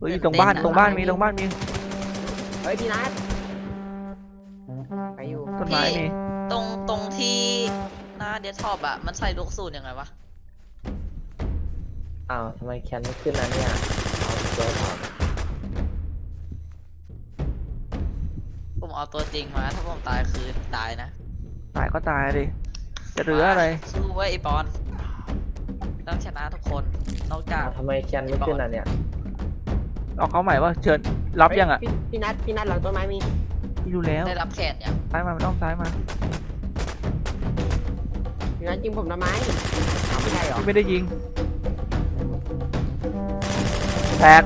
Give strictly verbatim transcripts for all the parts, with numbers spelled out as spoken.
ฮ้ยตรงบ้านตรงบ้านมีตรงบ้านมีเฮ้ยพี่นัทไปอยู่ต้นไม้มีตรงตรงที่หน้าเดสก์ท็อปอะมันใส่ลูกสูตรยังไงวะอ้าวทำไมแคนไม่ขึ้นนะเนี่ยเอาตัวถอดผมเอาตัวจริงมาถ้าผมตายคือตายนะตายก็ตายดิจะเหลืออะไรสู้ไว้ไอปอนต้องชนะทุกคนนอกจากอ้าวทำไมแคนไม่ขึ้นนะเนี่ยเอาเขาใหม่ว่าเชิญรับยังอ่ะพี่พี่นัทพี่นัทหลังต้นไม้มีพี่รู้แล้วได้รับแขนยังซ้ายมามันต้องซ้ายมาพี่นัทยิงผมทำไมเอาไม่ใช่หรอพี่ไม่ได้ยิงแตก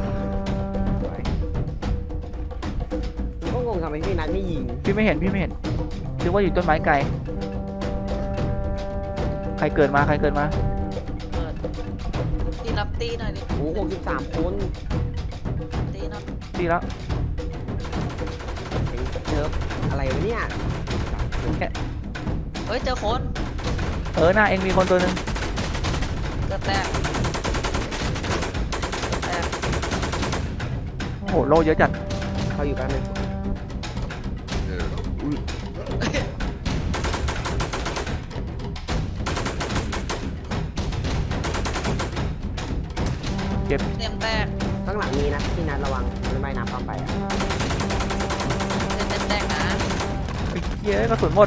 ผมก็งงทำไมพี่นัทไม่ยิงพี่ไม่เห็นพี่ไม่เห็นคิดว่าอยู่ต้นไม้ไกลใครเกิดมาใครเกิดมาเปิดที่รับตีหน่อยดิโอ้หกสิบสามคนตีหน่อยดีแล้วเจออะไรวะเนี่ยเฮ้ยเจอคนเออหน้าเองมีคนตัวหนึ่งเกือบแตกแตกโอ้โหโลเยอะจัดเขาอยู่แป๊บนึงเจ็บเต็มแตกข้างหลังมีนะพี่นัทระวังมันไม่น้ำเข้าไปอะเต็มเต็มแตกนะไอ้เหี้ยกระสุนหมด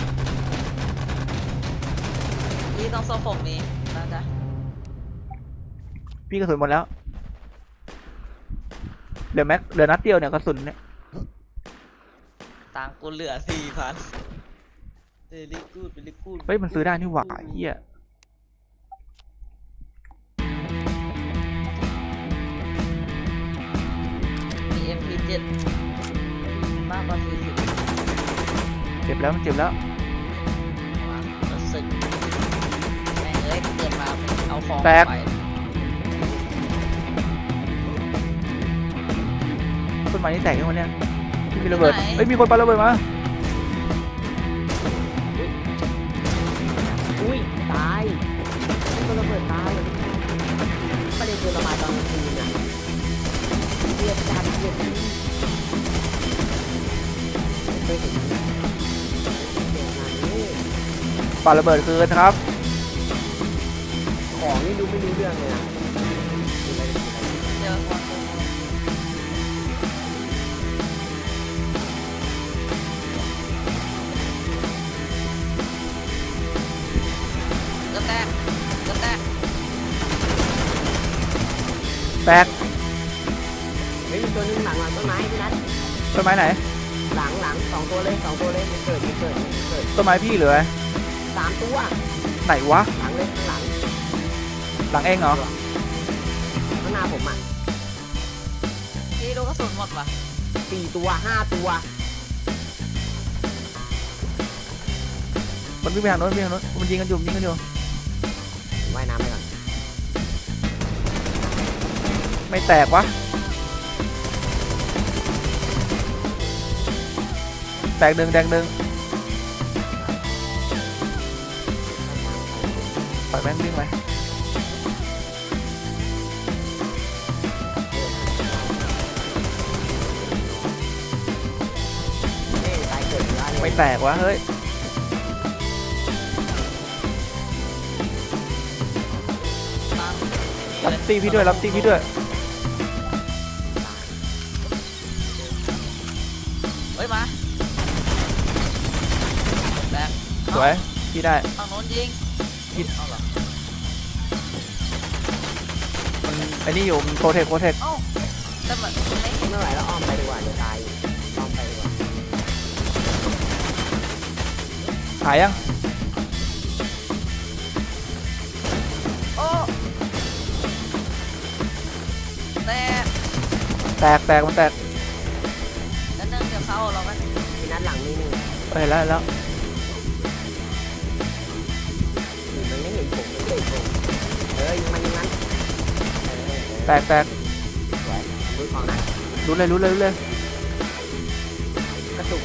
ที่ต้องโซ่ผมมีน่าจะพี่กระสุนหมดแล้วเหลือแม็กเหลือนัดเดียวเนี่ยกระสุนเนี่ยตังค์กูเหลือสี่พันเดลิกูดเดลิกูดเฮ้ยมันซื้อได้นี่หว่าเหี้ยมี เอ็ม พี เจ็ด มากกว่าสี่สิบเจ็บแล้วมันเจ็บแล้วมารู้สึกแม่งเอ้ยเกิดมาเอาของแตกไปต้นไม้นี่แตกยังวะเนี่ยพี่มีระเบิดเฮ้ยมีคนปาระเบิดมาอุ้ยตายก็ระเบิดตายประเด็นคือระบายตอนกลางคืนอะเรียบจัดเรียบดีเคยเห็นเดี๋ยวนะนี่ปาระเบิดคืนครับของนี่ดูไม่รู้เรื่องเลยนะเจอคนก็แตกก็แตกแตกเฮ้ยมีตัวหนึงหลังหลังต้นไม้พี่นัทต้นไม้ไหนหลังหลังสองตัวเลยสองตัวเลยมันเกิดมันเกิดมันเกิดต้นไม้พี่เหลือสามตัวไหนวะหลังเลยข้างหลังหลังเองเหรอข้างหน้าผมอ่ะนี่ลูกกระสุนหมดว่ะสี่ตัวห้าตัวมันวิ่งไปทางโน้นวิ่งไปทางโน้นมันยิงกันอยู่มันยิงกันอยู่ว่ายน้ำไปก่อนไม่แตกวะแตกหนึ่งแตกหนึ่งปล่อยแม่งวิ่งไปเอ้ยตายเกิดอยู่อะไรไม่แตกวะเฮ้ยตั้งรับตีพี่ด้วยรับตีพี่ด้วยเฮ้ยมาแตกสวยพี่ได้ฝั่งโน้นยิงยิงเอาเหรอมันไอ้นี่อยู่มันโคเทคโคเทคเอ้าแต่มันไม่ไม่ไหวแล้วอ้อมไปดีกว่าเดี๋ยวตายอ้อมไปดีกว่าหายยังโอ้แตกแตกแตกมันแตกนั่นนึงเดี๋ยวเข้าเรากันพี่นัทหลังนี่หนึ่งเออเห็นแล้วเห็นแล้วมันไม่เห็นผมมันไม่เห็นผมเฮ้ยยิงมันยิงมันเออเออแตกแตกสวยรู้ของนะรู้เลยรู้เลยรู้เลยกระตุก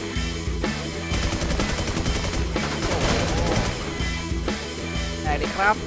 แตกเลยครับ